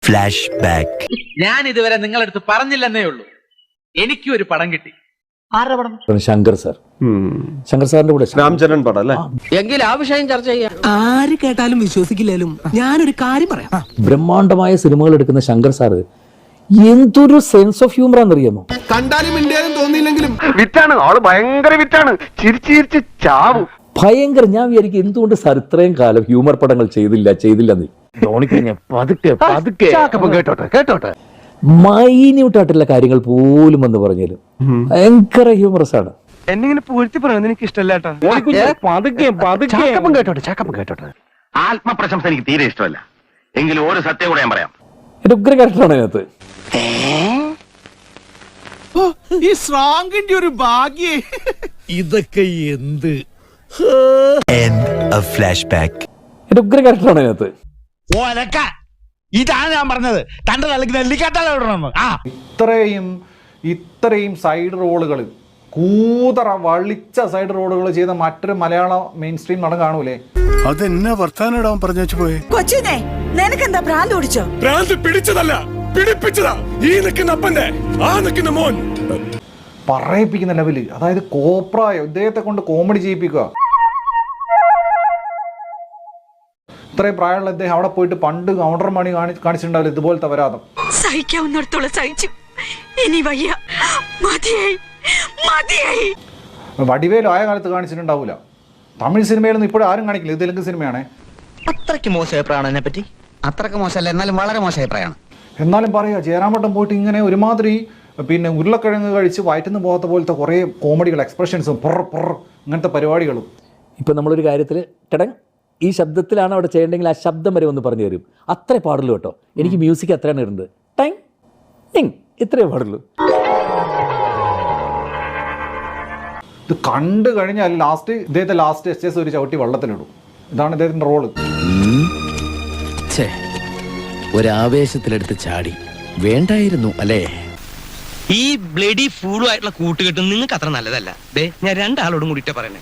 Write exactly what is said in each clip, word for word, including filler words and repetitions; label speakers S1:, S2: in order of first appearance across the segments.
S1: Flash back.
S2: ഞാൻ ഇതുവരെ നിങ്ങളടുത്ത് പറഞ്ഞില്ലെന്നേ ഉള്ളൂ, എനിക്കും ഒരു പടം കിട്ടി. ആരുടെ പടം?
S3: ശങ്കർ സാർ. ശങ്കർ സാറിന്റെ കൂടെ
S4: രാംചരൺ പടം അല്ലേ?
S2: എങ്കിൽ ആ വിഷയം ചർച്ച ചെയ്യാം.
S5: ആര് കേട്ടാലും വിശ്വസിക്കില്ലാലും ഞാനൊരു കാര്യം പറയാം.
S3: ബ്രഹ്മാണ്ഡമായ സിനിമകൾ എടുക്കുന്ന ശങ്കർ സാറ് എന്തൊരു സെൻസ് ഓഫ് ഹ്യൂമർ ആണെന്നറിയാമോ?
S4: കണ്ടാലും ഇന്ത്യയിലും തോന്നിയില്ലെങ്കിലും വിറ്റാണ് ആള്, ഭയങ്കര വിറ്റാണ്. ചിരിച്ചിരിച്ച് ചാവും.
S3: ഭയങ്കര. ഞാൻ വിചാരിക്കും എന്തുകൊണ്ട് സാർ ഇത്രയും കാലം ഹ്യൂമർ പടങ്ങൾ ചെയ്തില്ല ചെയ്തില്ലെന്ന്.
S4: കേട്ടോട്ടെ കേട്ടോട്ടെ
S3: മൈന്യൂട്ടായിട്ടുള്ള കാര്യങ്ങൾ പോലും എന്ന് പറഞ്ഞാലും ഭയങ്കര ഹ്യൂമറസ് ആണ്.
S4: എന്നിങ്ങനെ പൂഴ്ത്തി പറയുന്നത് എനിക്ക് ഇഷ്ടമല്ല. കേട്ടോട്ടെ ചാക്കപ്പം കേട്ടോട്ടെ.
S6: ആത്മപ്രശംസ എനിക്ക് തീരെ ഇഷ്ടമല്ല. എങ്കിലും ഒരു സത്യം കൂടെ ഞാൻ പറയാം.
S3: എന്റെ ഉഗ്ര ക്യാരക്ടറാണ് അതിനകത്ത്.
S7: ഈ സ്ട്രോങ്ങിന്റെ ഒരു ഭാഗ്യേ. ഇതൊക്കെ എന്ത്
S1: ഫ്ലാഷ് ബാക്ക്.
S3: എന്റെ ഉഗ്ര ക്യാരക്ടറാണ് അതിനകത്ത്.
S7: ഇതാണ് ഞാൻ പറഞ്ഞത്, തന്റെ തലക്ക് നെല്ലിക്കാട്ടാണ്.
S8: ഇത്രയും ഇത്രയും സൈഡ് റോളുകൾ, കൂതറ വളിച്ച സൈഡ് റോളുകൾ ചെയ്ത മറ്റൊരു മലയാള മെയിൻ സ്ട്രീം നടൻ കാണൂലേ?
S9: അതെന്നാ വർത്താനം പറഞ്ഞു പോയെ?
S10: കൊച്ചിനെ നിനക്കെന്താ ഭ്രാന്ത് പിടിച്ചോ?
S9: ഭ്രാന്ത് പിടിച്ചതല്ല, പിടിപ്പിച്ചതാ ഈ നിൽക്കുന്ന അപ്പന്റെ ആ നിൽക്കുന്ന മോൻ.
S8: പറയിപ്പിക്കുന്ന ലെവല്, അതായത് കോപ്രായോ ഇദ്ദേഹത്തെ കൊണ്ട് കോമഡി ചെയ്യിപ്പിക്കുക. ഇത്രയും പ്രായമുള്ള അദ്ദേഹം അവിടെ പോയിട്ട് പണ്ട് കൗണ്ടർ മണി കാണിച്ചിട്ടുണ്ടാവില്ല ഇതുപോലത്തെ വരാതം.
S10: സഹിക്കാവുന്നിടത്തോളം സഹിച്ചു, ഇനി വയ്യ, മതിയായി മതിയായി.
S8: വടിവേലും ആയ കാലത്ത് കാണിച്ചിട്ടുണ്ടാവില്ല. തമിഴ് സിനിമയിലൊന്നും ഇപ്പോഴും ആരും കാണിക്കില്ല. ഇത് തെലുങ്ക് സിനിമയാണേ.
S2: അത്രയ്ക്ക് മോശ അഭിപ്രായമാണ് എന്നെ പറ്റി. അത്രയ്ക്ക് മോശമല്ല, എന്നാലും വളരെ മോശ അഭിപ്രായമാണ്.
S8: എന്നാലും പറയാ, ജയറാമട്ടം പോയിട്ട് ഇങ്ങനെ ഒരുമാതിരി പിന്നെ ഉരുളക്കിഴങ്ങ് കഴിച്ച് വയറ്റുന്ന പോകാത്ത പോലത്തെ കുറേ കോമഡികൾ, എക്സ്പ്രഷൻസും പൊറ പൊറ അങ്ങനത്തെ പരിപാടികളും.
S3: ഇപ്പം നമ്മളൊരു കാര്യത്തിൽ ടടങ് ഈ ശബ്ദത്തിലാണ് അവിടെ ചെയ്യേണ്ടെങ്കിൽ ആ ശബ്ദം വരെ ഒന്ന് പറഞ്ഞു തരും. അത്രേ പാടുള്ളൂ കേട്ടോ. എനിക്ക് മ്യൂസിക് അത്രയാണ് ഇടുന്നത്. ടങ് ടിങ് ഇത്രയേ പാടുള്ളൂ.
S8: ഇത് കണ്ടു കഴിഞ്ഞാൽ ലാസ്റ്റ് ഇദ്ദേഹത്തെ ലാസ്റ്റ് എസ് എസ് ഒരു ചവിട്ടി വെള്ളത്തിലിടും. ഇതാണ് ഇദ്ദേഹത്തിന്റെ റോള്.
S5: ഒരാവേശത്തിലെടുത്ത് ചാടി വേണ്ടായിരുന്നു അല്ലേ?
S2: ഈ ബ്ലഡി ഫൂളും ആയിട്ടുള്ള കൂട്ടുകെട്ടും നിങ്ങൾക്ക് അത്ര നല്ലതല്ല. ഞാൻ രണ്ടാളോടും കൂടിയിട്ടാ പറയണേ.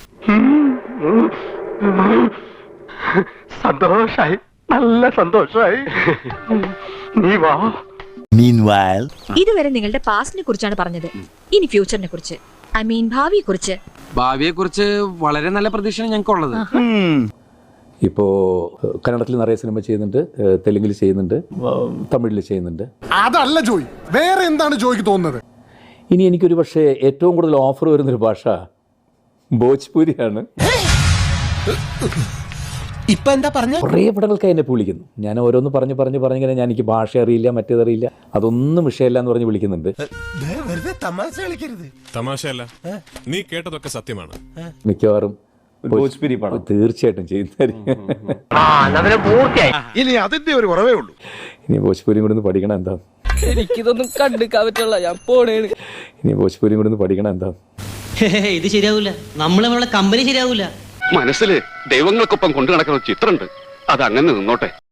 S4: സന്തോഷായി, നല്ല സന്തോഷായി. നീ വാ.
S1: Meanwhile,
S10: ഇതുവരെ നിങ്ങളുടെ പാസ്റ്റിനെ കുറിച്ചാണ് പറഞ്ഞത്, ഇനി ഫ്യൂച്ചറിനെ കുറിച്ച്, ഐ മീൻ ഭാവിയെ കുറിച്ച്.
S7: ഭാവിയെ കുറിച്ച് വളരെ നല്ല പ്രതീക്ഷയാണ് ഞങ്ങൾക്കുള്ളത്.
S3: ഇപ്പോൾ കന്നഡത്തിൽ നിറയെ സിനിമ ചെയ്യുന്നുണ്ട്, തെലുങ്കിൽ ചെയ്യുന്നുണ്ട്, തമിഴിൽ ചെയ്യുന്നുണ്ട്.
S9: അതല്ല ജോയ്, വേറെ എന്താണ് ജോയ്ക്ക് തോന്നുന്നത്?
S3: ഇനി എനിക്കൊരു പക്ഷേ ഏറ്റവും കൂടുതൽ ഓഫർ വരുന്നൊരു ഭാഷ ഭോജ്പൂരിയാണ്.
S5: ഇപ്പൊ എന്താ പറഞ്ഞ?
S3: കുറേ പടങ്ങൾക്കായി എന്നെ വിളിക്കുന്നു. ഞാൻ ഓരോന്ന് പറഞ്ഞ് പറഞ്ഞ് പറഞ്ഞിങ്ങനെ ഞാൻ എനിക്ക് ഭാഷ അറിയില്ല, മറ്റേതറിയില്ല, അതൊന്നും വിഷയമില്ല എന്ന് പറഞ്ഞ് വിളിക്കുന്നുണ്ട്.
S9: തമാശയല്ല, നീ കേട്ടതൊക്കെ സത്യമാണ്.
S3: മിക്കവാറും
S4: ഭോജ്പുരി പടം
S3: തീർച്ചയായിട്ടും ചെയ്യുന്നതായിരിക്കും.
S9: ഇനി അതിന്റെ ഒരു കുറവേ ഉള്ളൂ.
S3: ഇനി ഭോജ്പൂരിയും കൂടെ ഒന്ന് പഠിക്കണം എന്താ.
S5: എനിക്കിതൊന്നും കണ്ടുക്കാൻ പറ്റുള്ള, ഞാൻ പോണേണ്.
S3: ഇനി ഭോജ്പൂരിയും കൂടെ ഒന്ന് പഠിക്കണം എന്താ.
S2: ഇത് ശരിയാവൂല, നമ്മൾ നമ്മളെ കമ്പനി ശരിയാവൂല.
S6: മനസ്സിൽ ദൈവങ്ങൾക്കൊപ്പം കൊണ്ടു നടക്കുന്ന ചിത്രമുണ്ട്, അത് അങ്ങനെ നിന്നോട്ടെ.